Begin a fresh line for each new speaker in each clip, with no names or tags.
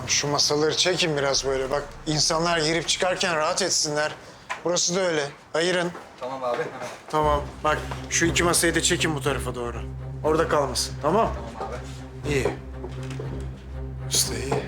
Şu masaları çekin biraz böyle. Bak insanlar girip çıkarken rahat etsinler. Burası da öyle. Ayırın.
Tamam abi, hemen.
Tamam. Bak şu iki masayı da çekin bu tarafa doğru. Orada kalmasın. Tamam?
Tamam abi.
İyi. İşte iyi.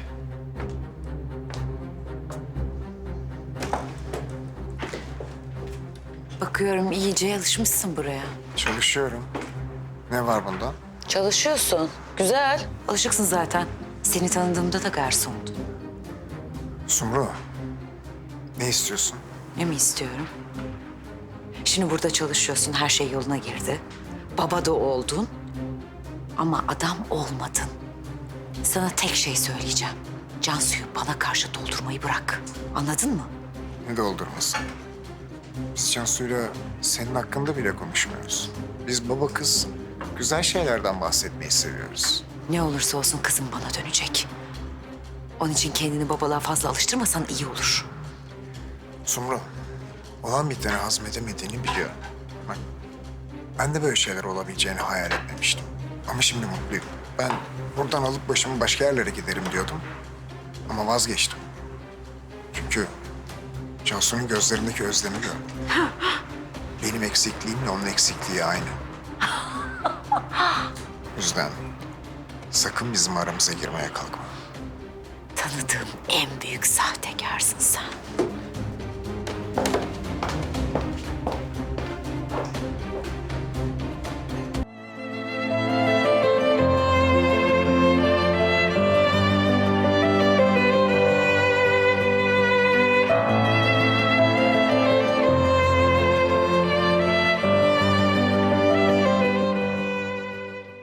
Bakıyorum iyice alışmışsın buraya.
Çalışıyorum. Ne var bunda?
Çalışıyorsun. Güzel. Alışıksın zaten. Seni tanıdığımda da garsondun.
Sumru. Ne istiyorsun?
Ne mi istiyorum? Şimdi burada çalışıyorsun. Her şey yoluna girdi. Baba da oldun. Ama adam olmadın. Sana tek şey söyleyeceğim. Cansu'yu bana karşı doldurmayı bırak. Anladın mı?
Ne doldurması? Biz Cansu'yla senin hakkında bile konuşmuyoruz. Biz baba kız güzel şeylerden bahsetmeyi seviyoruz.
Ne olursa olsun kızım bana dönecek. Onun için kendini babalığa fazla alıştırmasan iyi olur.
Sumru, olan biteni hazmedemediğini biliyor. Bak, ben de böyle şeyler olabileceğini hayal etmemiştim. Ama şimdi mutluyum. Ben buradan alıp başımı başka yerlere giderim diyordum. Ama vazgeçtim. Çünkü Cansu'nun gözlerindeki özlemi gördüm. Benim eksikliğimle onun eksikliği aynı. O yüzden sakın bizim aramıza girmeye kalkma.
Tanıdığım en büyük sahtekarsın sen.